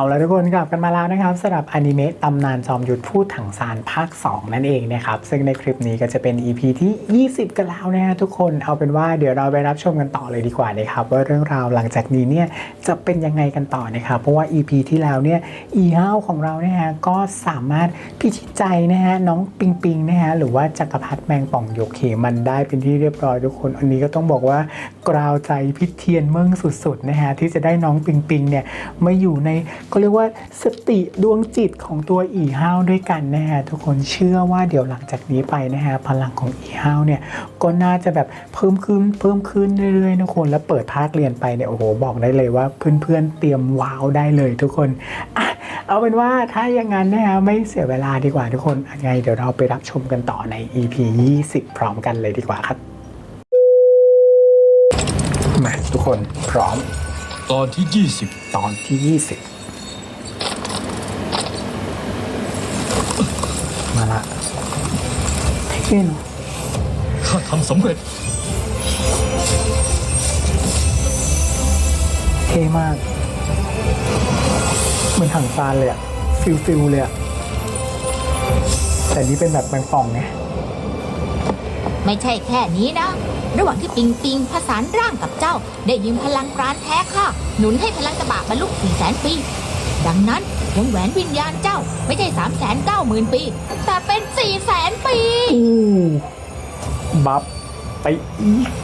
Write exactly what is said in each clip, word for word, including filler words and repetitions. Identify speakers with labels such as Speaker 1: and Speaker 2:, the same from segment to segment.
Speaker 1: แล้วทุกคนกลับกันมาแล้วนะครับสำหรับอนิเมะตำนานจอมยุทธพูดถังซานภาคสองนั่นเองนะครับซึ่งในคลิปนี้ก็จะเป็น อี พี ที่ยี่สิบกันแล้วนะฮะทุกคนเอาเป็นว่าเดี๋ยวเราไปรับชมกันต่อเลยดีกว่านะครับว่าเรื่องราวหลังจากนี้เนี่ยจะเป็นยังไงกันต่อนะครับเพราะว่า อี พี ที่แล้วเนี่ยอีห้าวของเราเนี่ยฮะก็สามารถพิชิตใจนะฮะน้องปิงปิงนะฮะหรือว่าจักรพรรดิแมงป่องหยกเขมันได้เป็นที่เรียบร้อยทุกคนอันนี้ก็ต้องบอกว่ากราวใจพิเทียนเมืองสุดๆนะฮะที่จะได้น้องปิงปิงเนี่ยมาอยู่ในก็เรียกว่าสติดวงจิตของตัวอีห้าวด้วยกันนะฮะทุกคนเชื่อว่าเดี๋ยวหลังจากนี้ไปนะฮะพลังของอีห้าวเนี่ยก็น่าจะแบบเพิ่มขึ้นเพิ่มขึ้นเรื่อยๆทุกคนแล้วเปิดภาคเรียนไปเนี่ยโอ้โหบอกได้เลยว่าเพื่อนๆเตรียมว้าวได้เลยทุกคนอ่ะเอาเป็นว่าถ้าอย่างนั้นนะฮะไม่เสียเวลาดีกว่าทุกคนยังไงเดี๋ยวเราไปรับชมกันต่อใน อี พี ยี่สิบพร้อมกันเลยดีกว่าครับมาทุกคนพร้อม
Speaker 2: ตอนที่ยี่สิบ
Speaker 1: ตอนที่ยี่สิบมาละเท่เนาะ
Speaker 2: ข้าทำสำเร็จ
Speaker 1: เท่มากเหมือนถังซานเลยอะฟิลฟิลเลยอะแต่นี้เป็นแบบแมงป่องไง
Speaker 3: ไม่ใช่แค่นี้นะระหว่างที่ปิงปิงผสานร่างกับเจ้าได้ยืมพลังปราณแท้ค่ะหนุนให้พลังตะบะบรรลุสี่แสนปีดังนั้นวงแหวนวิญญาณเจ้าไม่ใช่สามแสนเก้าหมื่นปีแต่เป็นสี่แสนปี
Speaker 1: อู้บัฟไปอีก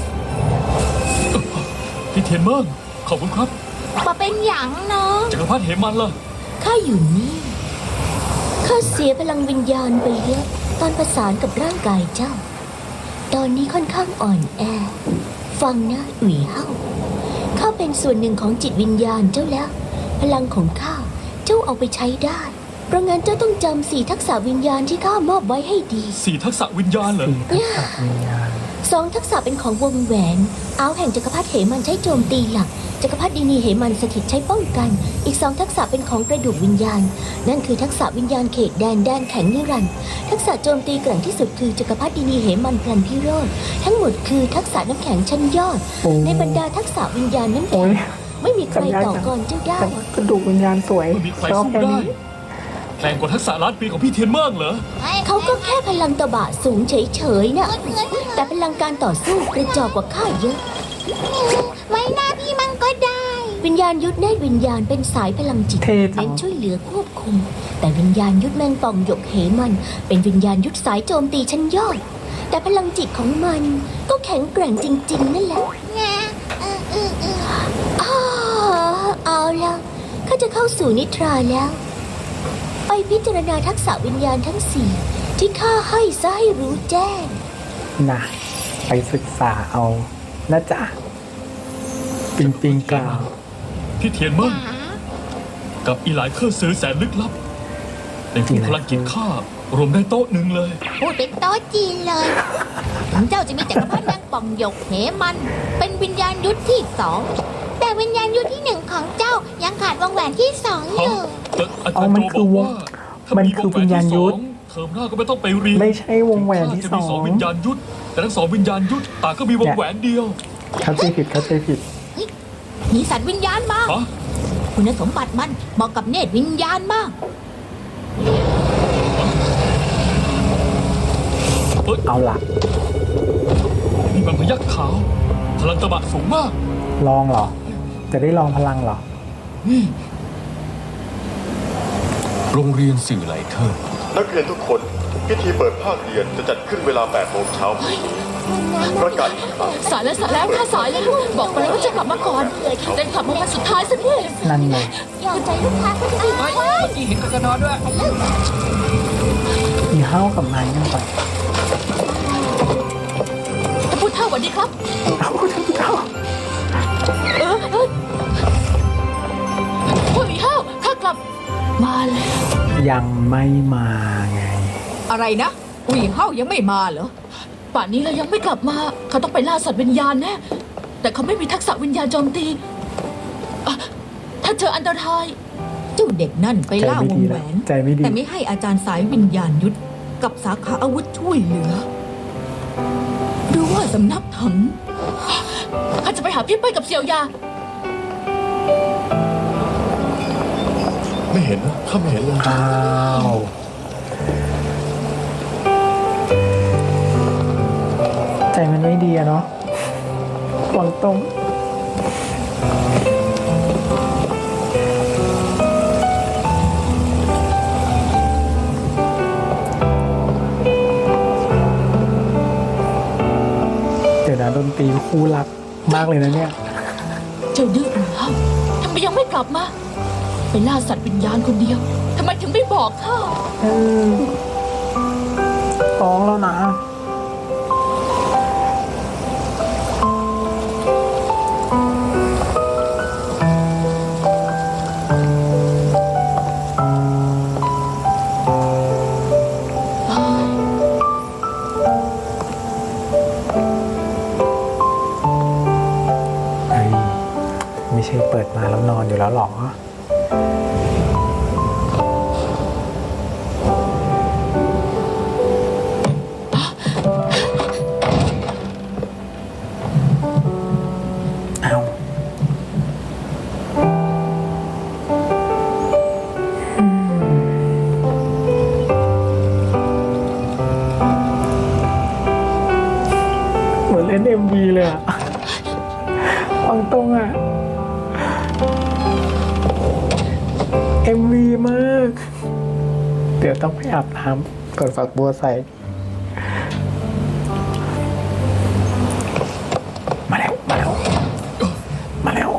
Speaker 2: พี่เทียนเมิงขอบคุณครับ
Speaker 3: มาเป็นหยังเนาะ
Speaker 2: จักรพรรดิเหมันล่ะ
Speaker 4: ข้าอยู่นี่ข้าเสียพลังวิญญาณไปเยอะตอนประสานกับร่างกายเจ้าตอนนี้ค่อนข้างอ่อนแอฟังนะอุ๋ยเฮาข้าเป็นส่วนหนึ่งของจิตวิญญาณเจ้าแล้วพลังของข้าเจ้าเอาไปใช้ได้เพราะงั้นเจ้าต้องจำสี่ทักษะวิญญาณที่ข้ามอบไว้ให้ดี
Speaker 2: สี่ทักษะวิญญาณเหรอ
Speaker 1: สี่ทักษะวิญญาณ
Speaker 4: สองทักษะเป็นของวงแหวนเอาแห่งจักรพรรดิเหมันใช้โจมตีหลักจักรพรรดินีเหมันสถิตใช้ป้องกันอีกสองทักษะเป็นของกระดูกวิญญาณนั่นคือทักษะวิญญาณเขตแดนแดนแข็งนิรันดร์ทักษะโจมตีแกร่งที่สุดคือจักรพรรดินีเหมันพลันพิโรธทั้งหมดคือทักษะน้ำแข็งชั้นยอดในบรรดาทักษะวิญญาณน้ำแข็งไม่มีใครต่อกรเจ้าได้
Speaker 1: กระดูกวิญญาณสวย
Speaker 2: ไม่มีใครสู้ได้แรงกว่าทักษะล้านปีของพี่เทียนเมิงเหรอ
Speaker 4: เขาก็แค่พลังตะบะสูงเฉยๆนะแต่พลังการต่อสู้กระจอกกว่าข้าเยอะ
Speaker 3: ไว้หน้าพี่มังก็ได้
Speaker 4: วิญญาณยุทธเนตรวิญญาณเป็นสายพลังจิตเน้นช่วยเหลือควบคุมแต่วิญญาณยุทธแมงป่องหยกเหมันเป็นวิญญาณยุทธสายโจมตีชั้นยอดแต่พลังจิตของมันก็แข็งแกร่งจริงๆนั่นแหละเอาละข้าจะเข้าสู่นิทราแล้วไปพิจารณาทักษะวิญญาณทั้งสี่ที่ข้าให้ซะให้รู้แจ้ง
Speaker 1: นะไปศึกษาเอานะจ๊ะปิงปิงกล่าว
Speaker 2: พี่เทียนเมิงกับอีหลายเครื่องซื้อแสนลึกลับในผู้พลังจิตข้ารวมได้โต๊ะหนึ่งเลย
Speaker 3: พูดเป็นโต๊ะจีนเลยถึงเจ้าจะมีจักรพรรดิแมงป่องหยกเหมันเป็นวิญญาณยุทธที่สองแต่วิญญาณยุทธที่หนึ่งของเจ้ายังขาดวงแหวนที่สองอยู่
Speaker 1: อ๋อมันคือวงมันคือวิญญาณยุทธ
Speaker 2: เทอมหน้าก็ไม่ต้องไปเรียน
Speaker 1: ไม่ใช่วงแหวนที่สอง
Speaker 2: วิญญาณยุทธแต่ทั้งสองวิญญาณยุทธต่างก็มีวงแหวนเดียว
Speaker 1: เข้าใจผิดเข้าใจผิด
Speaker 3: มีสัตว์วิญญาณมาคุณสมบัติมันเหมาะกับเนตรวิญญาณมาก
Speaker 1: เอาล่ะ
Speaker 2: นี่มันพยัคฆ์ขาวพลังตะบะสูงมาก
Speaker 1: ลองเหรอจะได้ลองพลังเหรอ
Speaker 2: โรงเรียนสื่อไหลเคอร์
Speaker 5: นักเรียนทุกคนพิธีเปิดภาคเรียนจะจัดขึ้นเวลาแปดโมงเช้าประกาศอีกครั้ง
Speaker 3: สายแล้วสายแล้วถ้าสายเลยลูกบอกไปแล้วว่าจะกลับมาก่อนเดินขับมาวันสุดท้ายสักที
Speaker 1: นั่นไง
Speaker 3: ยอมใจลูกค้าก็จะดี
Speaker 2: เมื่อกี้เห็นกันนอนด้วย
Speaker 1: มีเฮ้ากับไม้นั่งไป
Speaker 3: ท่านผู้เฒ่าสวัสดีครับ
Speaker 1: เอาท่านผู้เฒ่า
Speaker 3: เออเออผู้เฒ่าข้ากลับมาแล้ว
Speaker 1: ยังไม่มาไง
Speaker 3: อะไรนะผู้หญิงเฒ่ายังไม่มาเหรอป่านนี้เรายังไม่กลับมาเขาต้องไปล่าสัตว์วิญญาณแน่แต่เขาไม่มีทักษะวิญญาณโจมตีถ้าเจออันตรายเจ้าเด็กนั่นไปล่าวงแหวนแต่ไม่ให้อาจารย์สายวิญญาณยุทธกับสาขาอาวุธช่วยเหลือหรือว่าสำนักถังข้าจะไปหาพี่เป้ยกับเสี่ยวยา
Speaker 5: เห็นนะข้าไม่เห็นเลย
Speaker 1: อ้าวใจมันไม่ดีอะเนาะหวังตรงเดี๋ยวนะดนตรีคู่รักมากเลยนะเนี่ย
Speaker 3: เจ้าดื้อหรือเฮาทำไมยังไม่กลับมา ไปล่าสัตว์วิญญาณคนเดียวทำไมถึงไม่บอกข้า
Speaker 1: เออฟ้องแล้วนะ เฮ้ย ไม่ใช่เปิดมาแล้วนอนอยู่แล้วหรอ เอาอืมเหมือนเล่นเอ็มวีเลยอะฟังตรงอะเอ็มวีมาก เดี๋ยวต้องไปอาบน้ำกดฝักบัวใส่ มาแล้ว มาแล้ว มาแล้ว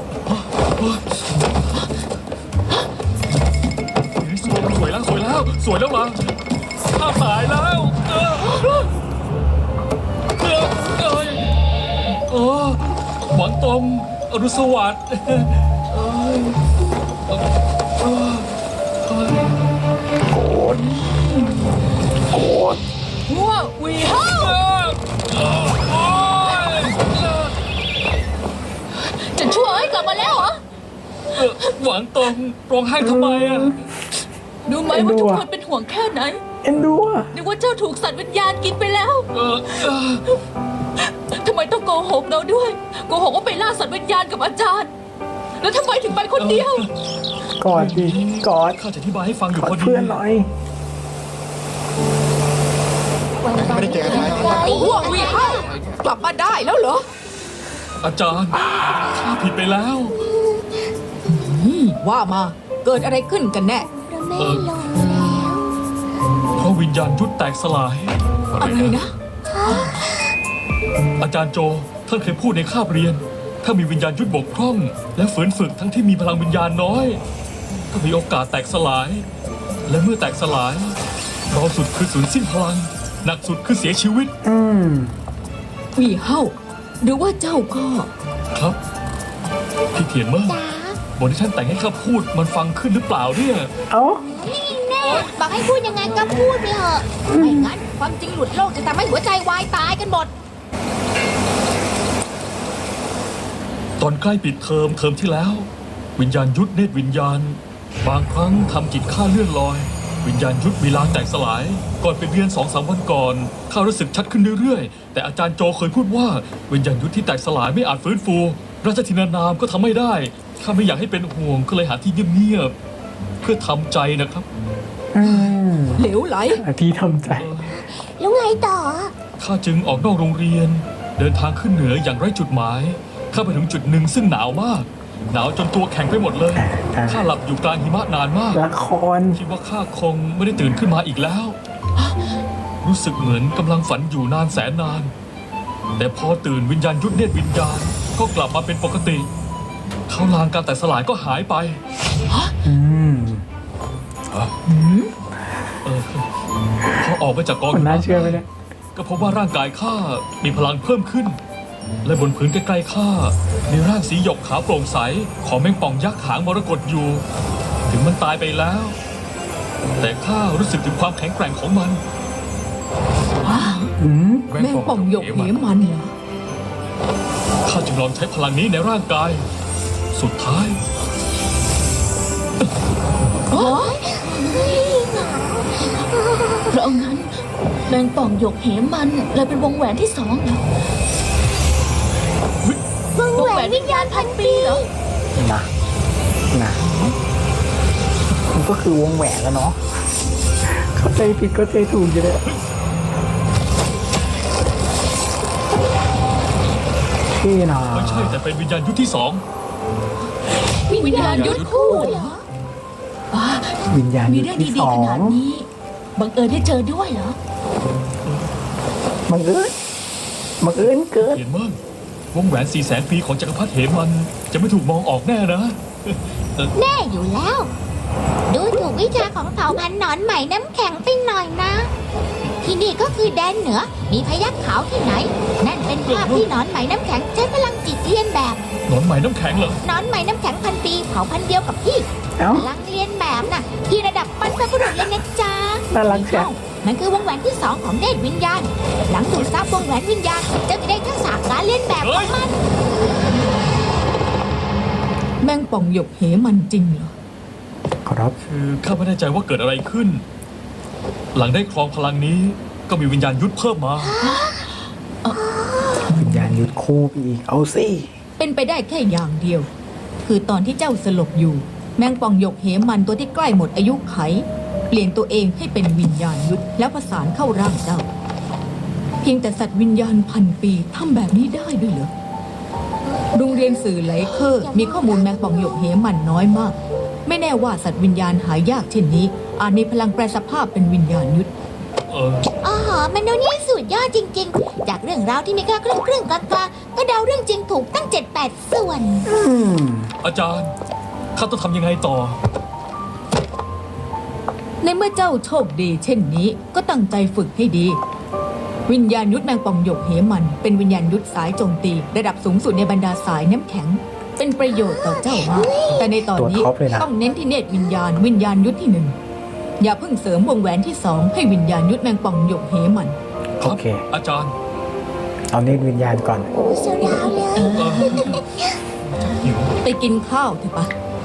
Speaker 2: สวยสวยแล้วสวยแล้วสวยแล้วล่ะข้าตายแล้วเออเออเออเอยเออหวังตรงอรุณสวัสดิ์เอยเออเออเออ
Speaker 1: โกรธโกรธ
Speaker 3: หัวหวีเฮา
Speaker 2: เออเออโอ๊ยเออ
Speaker 3: จะช่วยกลับมาแล้วเหรอ
Speaker 2: เออหวังตรงร้องไห้ทำไมอ่ะ
Speaker 3: ดูไหมว่าทุกคนเป็นห่วงแค่ไหน
Speaker 1: เอ็นดูอะ
Speaker 3: นึกว่าเจ้าถูกสัตว์วิญญาณกินไปแล้ว
Speaker 2: เออเออ
Speaker 3: ทำไมต้องโกหกเราด้วย โกหกว่าไปล่าสัตว์วิญญาณกับอาจารย์ แล้วทำไมถึงไปคนเดียว
Speaker 1: กอดดิกอด
Speaker 2: ข้าจะอธิบายให้ฟังอยู่
Speaker 1: กอ
Speaker 2: พ
Speaker 1: ด
Speaker 2: อดี
Speaker 1: เพื่อนหน่อย
Speaker 5: ไม่ได้เจอกันนาน
Speaker 3: หัวหวีเฮา กลับมาได้แล้วเหรอ
Speaker 2: อาจารย์ข้าผิดไปแล้ว
Speaker 3: ว่ามา เกิดอะไรขึ้นกันแน่
Speaker 4: พระแม่ลงแล้ว
Speaker 2: เพราะวิญญาณยุทธแตกสลาย
Speaker 3: อะไรนะ
Speaker 2: อาจารย์โจท่านเคยพูดในคาบเรียน ถ้ามีวิญญาณยุทธบกพร่อง และฝืนฝึกทั้งที่มีพลังวิญญาณน้อย ก็มีโอกาสแตกสลาย และเมื่อแตกสลายเบาสุดคือสูญสิ้นพลัง หนักสุดคือเสียชีวิต
Speaker 1: อืม
Speaker 3: หวีเฮาหรือว่าเจ้าก็
Speaker 2: ครับ พี่เทียนเมื่อ
Speaker 4: จ๋า
Speaker 2: บทที่ท่านแต่งให้ข้าพูดมันฟังขึ้นหรือเปล่าเนี่ย
Speaker 1: เอ้า
Speaker 4: นี่แน่บอกให้พูดยังไงก็พูดไปเถอะไม่งั้นความจริงหลุดโลกจะทำให้หัวใจวายตายกันหมด
Speaker 2: ตอนใกล้ปิดเทอมเทอมที่แล้ว วิญญาณยุทธเนตรวิญญาณ บางครั้งทำจิตข้าเลื่อนลอย วิญญาณยุทธมีลางแตกสลาย ก่อนไปเรียนสองสามวันก่อนข้ารู้สึกชัดขึ้นเรื่อยๆ แต่อาจารย์โจเคยพูดว่าวิญญาณยุทธที่แตกสลายไม่อาจฟื้นฟูราชธินานามก็ทำไม่ได้ข้าไม่อยากให้เป็นห่วงก็เลยหาที่เงียบๆเพื่อทำใจนะครับ
Speaker 1: อืม
Speaker 3: เหลวไหล
Speaker 1: ที่ทำใจ
Speaker 4: แล้วไงต่อ
Speaker 2: ข้าจึงออกนอกโรงเรียน เดินทางขึ้นเหนืออย่างไร้จุดหมายข้าไปถึงจุดหนึ่งซึ่งหนาวมาก หนาวจนตัวแข็งไปหมดเลย
Speaker 1: อ่า
Speaker 2: ข้าหลับอยู่กลางหิมะนานมาก
Speaker 1: ละคร
Speaker 2: คิดว่าข้าคงไม่ได้ตื่นขึ้นมาอีกแล้ว รู้สึกเหมือนกำลังฝันอยู่นานแสนนาน แต่พอตื่นวิญญาณยุทธเนตรวิญญาณก็กลับมาเป็นปกติเขาลางการแต่สลายก็หายไป
Speaker 1: อืม
Speaker 2: เออพอออกมาจากกอง
Speaker 1: มันน่าเชื่อไหมเนี่ย
Speaker 2: ก็พบว่าร่างกายข้ามีพลังเพิ่มขึ้น และบนพื้นใกล้ๆข้ามีร่างสีหยกขาวโปร่งใสของแมงป่องยักษ์หางมรกตอยู่ ถึงมันตายไปแล้ว แต่ข้ารู้สึกถึงความแข็งแกร่งของมัน
Speaker 1: อืม
Speaker 3: แม่งป่องหยกเหมันเหรอ
Speaker 2: ข้าจึงลองใช้พลังนี้ในร่างกาย สุดท้าย
Speaker 3: เพราะงั้นแมงป่องหยกเหมันเลยเป็นวงแหวนที่สองเหรอ
Speaker 4: วงแหวนวิญญาณพันปี
Speaker 3: เหรอ
Speaker 1: นะนะโกก็คือวงแหวนแล้วเนาะเข้าใจผิดก็ใจถูกอยู่เลยที่นะ
Speaker 2: ไม่ใช่แต่เป็นวิญญาณยุทธที่สอง
Speaker 3: วิญญาณยุทธคู่เหรออ่า
Speaker 1: วิญญาณ
Speaker 3: มี
Speaker 1: ยุท
Speaker 3: เรื่อง
Speaker 1: ธที่
Speaker 3: ดี
Speaker 1: สอ
Speaker 3: ๆข
Speaker 1: ง
Speaker 3: นาดนี้บังเอิญได้เจอด้วยเหรอ
Speaker 1: บังเอิญบังเอิญเกิด
Speaker 2: เห็นมั้งวงแหวนสี่แสนปีของจักรพรรดิเหมัน จะไม่ถูกมองออกแน่นะ
Speaker 4: แน่อยู่แล้ว ดูถูกวิชาของเผ่าพันธุ์หนอนไหมน้ำแข็งไปหน่อยนะ ที่นี่ก็คือแดนเหนือ มีพยัคฆ์ขาวที่ไหน นั่นเป็นภาพที่หนอนไหมน้ำแข็งใช้พลังจิตเรียนแบบ
Speaker 2: หนอนไหมน้ำแข็งเหรอ
Speaker 4: หนอนไหมน้ำแข็งพันปีเผ่าพันธุ์เดียวกับพี่
Speaker 1: เอ้า
Speaker 4: พลังเรียนแบบน่ะ ที่ระดับบรรพบุรุษเลยนะจ๊ะ
Speaker 1: น่ารักจัง
Speaker 4: มันคือวงแหวนที่สองของเนตรวิญญาณ หลังดูดซับวงแหวนวิญญาณจะได้ทักษะการเรียนแบบของมัน
Speaker 3: แมงป่องหยกเหมันจริงเหรอ
Speaker 1: ครับ
Speaker 2: คือข้าไม่แน่ใจว่าเกิดอะไรขึ้น หลังได้ครองพลังนี้ก็มีวิญญาณยุทธเพิ่มมา
Speaker 1: วิญญาณยุทธคู่ไปอีกเอาสิ
Speaker 3: เป็นไปได้แค่อย่างเดียว คือตอนที่เจ้าสลบอยู่ แมงป่องหยกเหมันตัวที่ใกล้หมดอายุไข เปลี่ยนตัวเองให้เป็นวิญญาณยุทธแล้วประสานเข้าร่างเจ้า เพียงแต่สัตว์วิญญาณพันปีทำแบบนี้ได้ด้วยเหรอโรงเรียนสื่อไหลเคอร์มีข้อมูลแมงป่องหยกเหมันน้อยมาก ไม่แน่ว่าสัตว์วิญญาณหายากเช่นนี้ อาจมีพลังแปลสภาพเป็นวิญญาณยุทธ
Speaker 2: เออ
Speaker 4: อ๋อมนุษย์นี่สุดยอดจริงๆ จากเรื่องราวที่มีแค่ครึ่งครึ่งๆกลางๆก็เดาเรื่องจริงถูกตั้งเจ็ดแปดส่วน
Speaker 1: อืม
Speaker 2: อาจารย์ ข้าต้องทำยังไงต่อ
Speaker 3: ในเมื่อเจ้าโชคดีเช่นนี้ก็ตั้งใจฝึกให้ดี วิญญาณยุทธแมงป่องหยกเหมันเป็นวิญญาณยุทธสายโจมตี ระดับสูงสุดในบรรดาสายน้ำแข็ง เป็นประโยชน์ต่อเจ้ามากแต่ในตอนนี้
Speaker 1: ตัวท็อปเลยนะ
Speaker 3: ต้องเน้นที่เนตรวิญญาณวิญญาณยุทธที่หนึ่งอย่าเพิ่งเสริมวงแหวนที่สองให้วิญญาณยุทธแมงป่องหยกเหมัน
Speaker 2: ครั
Speaker 1: โอบ เค
Speaker 2: อาจารย์
Speaker 1: เอาเนตรวิญญาณก่อน
Speaker 4: โซดาเลย
Speaker 3: เออ
Speaker 2: เออหิว
Speaker 3: ไปกินข้าวเถอะปะ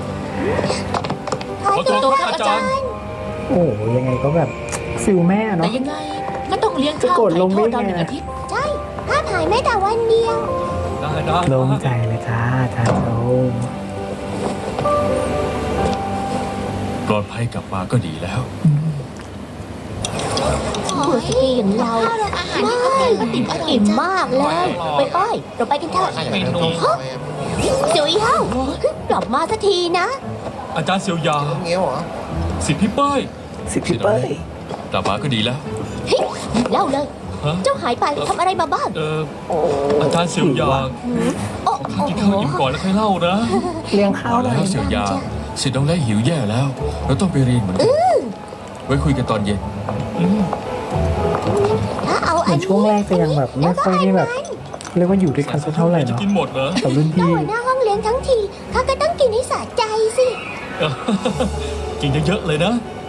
Speaker 2: ขอโทษครับอาจารย์
Speaker 1: โอ้ยังไงก็แบบฟิลแม่
Speaker 3: แต่
Speaker 1: เนาะ
Speaker 3: ยังไงก็ต้องเลี้ยงข้าว
Speaker 1: จะกดลง
Speaker 3: ไถ่โทษ
Speaker 1: ได้
Speaker 3: เรา
Speaker 1: ไง
Speaker 3: หนึ่งอาทิตย์
Speaker 4: ใช่ภาพหายไม่แต่วันเดียว
Speaker 2: ได้ได้
Speaker 1: โล่งใจเลยจ้าท่านโล่ง
Speaker 2: ปลอดภัยกลับมาก็ดีแล้ว
Speaker 4: บุรุษสตรีอย่างเราอาหารที่เขาเป็นก็ติ่มอิ่มมากเลย ไปป้อยเราไปกันเถอะฮะจุ๋ยเฮ้ากลับมาสักทีนะ
Speaker 2: อาจารย์เซียวยา
Speaker 6: เงี้ยวเหรอ
Speaker 2: สิทธิพี่ป้าย
Speaker 1: สิพี่เป้ย
Speaker 2: กลับมาก็ดีแล้ว
Speaker 4: เฮ้ยเล่าเลย
Speaker 2: ฮะ
Speaker 4: เจ้าหายไปทำอะไรมาบ้าง
Speaker 2: เอออาจารย์เซียวยา
Speaker 4: โอ้
Speaker 2: ขอกินข้าวอิ่มก่อนแล้วค่อยเล่านะ
Speaker 1: เลี้ยงข้าว
Speaker 2: เอา
Speaker 1: หน่
Speaker 2: แล้
Speaker 1: อยว
Speaker 2: เซียวยาสิทธิ์น้องแร่หิวแย่แล้ว เราต้องไปเรียนเหมือนกันไว้คุยกันตอนเย็น
Speaker 4: ถ้าเอา
Speaker 1: เห
Speaker 4: อั
Speaker 1: มือน นช่วงแรกจะยังแบบไม่ค่อยได้แบบเรียกว่าอยู่ด้วยกันสักเท่าไหร่
Speaker 2: จะ
Speaker 1: เนาะ
Speaker 2: กินหมดเหรอ
Speaker 1: กับรุ่น
Speaker 4: ถ้า
Speaker 1: พี่
Speaker 4: หัวหน้าห้องเลี้ยงทั้งทีข้าก็ต้องกินให้สะใจสิ
Speaker 2: กินเยอะๆเลยนะ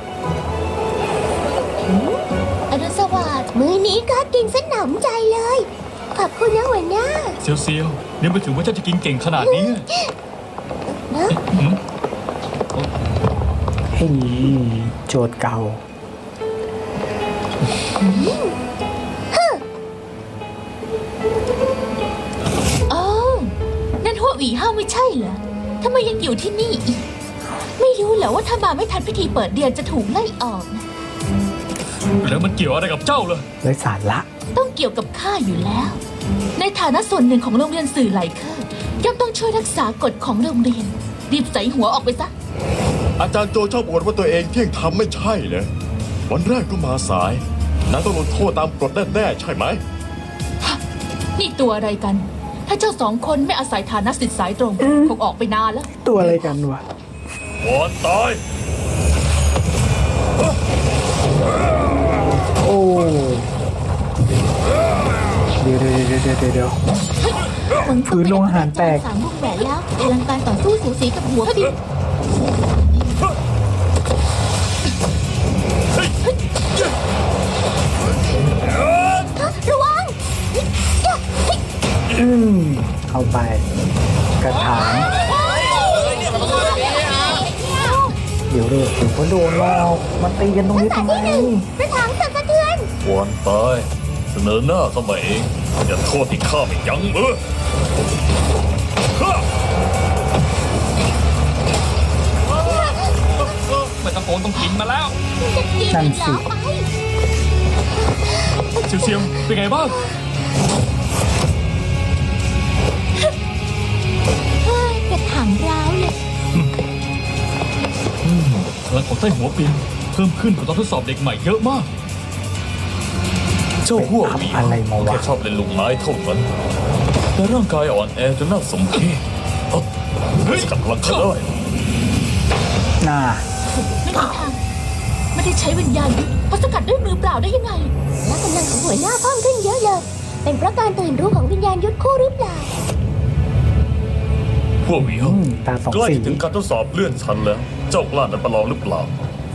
Speaker 4: อรุณสวัสดิ์มื้อนี้ข้ากินสนำใจเลย ขอบคุณนะหัวหน้า
Speaker 2: เซียวเซียวเนี่ยไม่ถึงว่าเจ้าจะกินเก่งขนาดนี้
Speaker 4: นะ
Speaker 2: หืม
Speaker 1: เฮ้ยโจทย์เก่า
Speaker 3: โอ้นั่นหัวหวีห้าวไม่ใช่เหรอทำไมยังอยู่ที่นี่อีก ไม่รู้เหรอว่าถ้ามาไม่ทันพิธีเปิดเรียนจะถูกไล่ออกนะ
Speaker 2: แล้วมันเกี่ยวอะไรกับเจ้าเลย
Speaker 1: เลยสารละ
Speaker 3: ต้องเกี่ยวกับข้าอยู่แล้ว ในฐานะส่วนหนึ่งของโรงเรียนสื่อไหลเคอร์ย่อมต้องช่วยรักษากฎของโรงเรียน รีบใส่หัวออกไปซะ
Speaker 5: อาจารย์โจชอบบ่นว่าตัวเองเที่ยงทำไม่ใช่เลยวันแรกก็มาสายนายต้องลงโทษตามกฎแน่ๆใช่ไหม
Speaker 3: นี่ตัวอะไรกัน ถ้าเจ้าสองคนไม่อาศัยฐานะสิทธิ์สายตรงคงออกไปนานแล้ว
Speaker 1: ตัวอะไรกันวะ
Speaker 2: ก่อนตาย
Speaker 1: โอ้เดี๋ยวเดี๋ยวเดี๋ยวเดี๋ยวเดี๋ยว พื้นโรงอาหารแตก
Speaker 4: สามวงแหวนแล้วพลังการต่อสู้สูสีกับหัวพี่ระวัง
Speaker 1: อืมเข้าไป กระถางเดี๋ยวเดี๋ยวเดี๋ยวก็โดนหลอกมาตีกันตรงนี้ทำไม
Speaker 4: กระถางสั่นสะเทือน
Speaker 2: ก่อนตายเสนอหน้าเข้ามาเองอย่าโทษที่ข้าไม่ยั้งมือข้ากระโปรงต้องกินมาแล้ว
Speaker 4: จะกิน
Speaker 1: นั่น
Speaker 4: เหร
Speaker 1: สิ
Speaker 4: อไป
Speaker 2: เซียวเซียวเป็นไงบ้าง
Speaker 4: เฮ้ยกระถางร้าวเลย
Speaker 2: พลังของใต้หัวปินเพิ่มขึ้นกว่าตอนทดสอบเด็กใหม่เยอะมาก
Speaker 6: เจ้าหัวหวี
Speaker 1: อะไรมาวะ
Speaker 6: แค่ชอบเล่นลูกไม้เท่านั้นแต่ร่างกายอ่อนแอจนน่าสมเพชเอ้าสกัดพลังเขาได้
Speaker 1: น่า
Speaker 3: ไม่มีทางไม่ได้ใช้วิญญาณยุทธเพราะสกัดด้วยมือเปล่าได้ยังไง
Speaker 4: และกำลังของหัวหน้าเพิ่มขึ้นเยอะเลย เป็นเพราะการตื่นรู้ของวิญญาณยุทธคู่หรือเปล่า
Speaker 6: พวกเหวียว
Speaker 1: อืมตาสอง
Speaker 6: ใกล้
Speaker 1: สี
Speaker 6: ถึงการทดสอบเลื่อนชั้นแล้ว เจ้ากล้านันประลองหรือเปล่า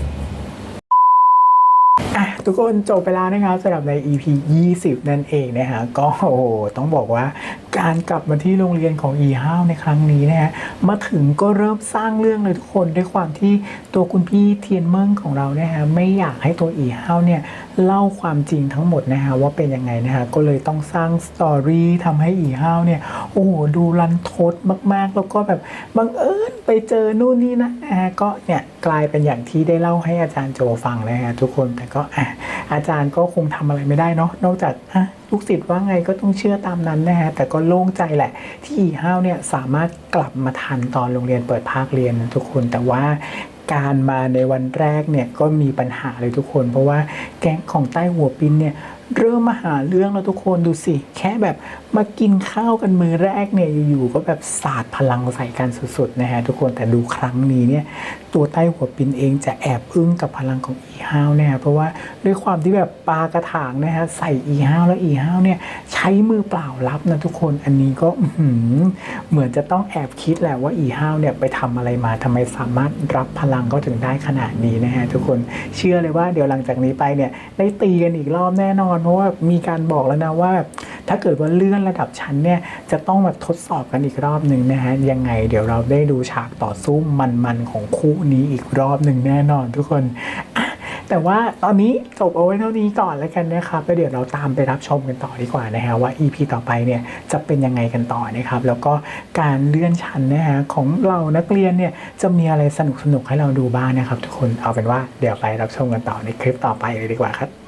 Speaker 1: อ่ะทุกคนจบไปแล้วนะครับสำหรับใน อี พี ยี่สิบ นั่นเองนะฮะก็โอ้โหต้องบอกว่าการกลับมาที่โรงเรียนของอีห้าวในครั้งนี้นะฮะมาถึงก็เริ่มสร้างเรื่องเลยทุกคนด้วยความที่ตัวคุณพี่เทียนเมิงของเรานะฮะไม่อยากให้ตัวอีห้าวเนี่ยเล่าความจริงทั้งหมดนะฮะว่าเป็นยังไงนะฮะก็เลยต้องสร้างสตอรี่ทำให้อีห้าวเนี่ยโอ้โหดูรันทดมากๆแล้วก็แบบบังเอิญไปเจอนู่นนี่นะนะฮะก็เนี่ยกลายเป็นอย่างที่ได้เล่าให้อาจารย์โจฟังนะฮะทุกคนแต่ก็อ่ะอาจารย์ก็คงทำอะไรไม่ได้เนาะนอกจากอ่ะลูกศิษย์ว่าไงก็ต้องเชื่อตามนั้นนะฮะแต่ก็โล่งใจแหละที่อีห้าวเนี่ยสามารถกลับมาทันตอนโรงเรียนเปิดภาคเรียนนะทุกคนแต่ว่าการมาในวันแรกเนี่ยก็มีปัญหาเลยทุกคนเพราะว่าแก๊งของใต้หัวปินเนี่ยเริ่มมาหาเรื่องแล้วทุกคนดูสิแค่แบบมากินข้าวกันมือแรกเนี่ยอยู่ๆก็แบบสาดพลังใส่กันสุดๆนะฮะทุกคนแต่ดูครั้งนี้เนี่ยตัวใต้หัวปินเองจะแอบอึ้งกับพลังของอีห้าวนะฮะเพราะว่าด้วยความที่แบบปากระถางนะฮะใส่อีห้าวแล้วอีห้าวเนี่ยใช้มือเปล่ารับนะทุกคนอันนี้ก็อื้อหือเหมือนจะต้องแอบคิดแหละว่าอีห้าวเนี่ยไปทำอะไรมาทำไมสามารถรับพลังเขาถึงได้ขนาดนี้นะฮะทุกคนเชื่อเลยว่าเดี๋ยวหลังจากนี้ไปเนี่ยได้ตีกันอีกรอบแน่นอนเพราะว่ามีการบอกแล้วนะว่าถ้าเกิดว่าเลื่อนระดับชั้นเนี่ยจะต้องมาทดสอบกันอีกรอบหนึ่งนะฮะยังไงเดี๋ยวเราได้ดูฉากต่อสู้มันๆของคู่นี้อีกรอบหนึ่งแน่นอนทุกคนอ่ะแต่ว่าตอนนี้จบเอาไว้เท่านี้ก่อนแล้วกันนะครับแล้วเดี๋ยวเราตามไปรับชมกันต่อดีกว่านะฮะว่า อี พี ต่อไปเนี่ยจะเป็นยังไงกันต่อนะครับแล้วก็การเลื่อนชั้นนะฮะของเรานักเรียนเนี่ยจะมีอะไรสนุกๆให้เราดูบ้างนะครับทุกคนเอาเป็นว่าเดี๋ยวไปรับชมกันต่อในคลิปต่อไปเลยดีกว่าครับ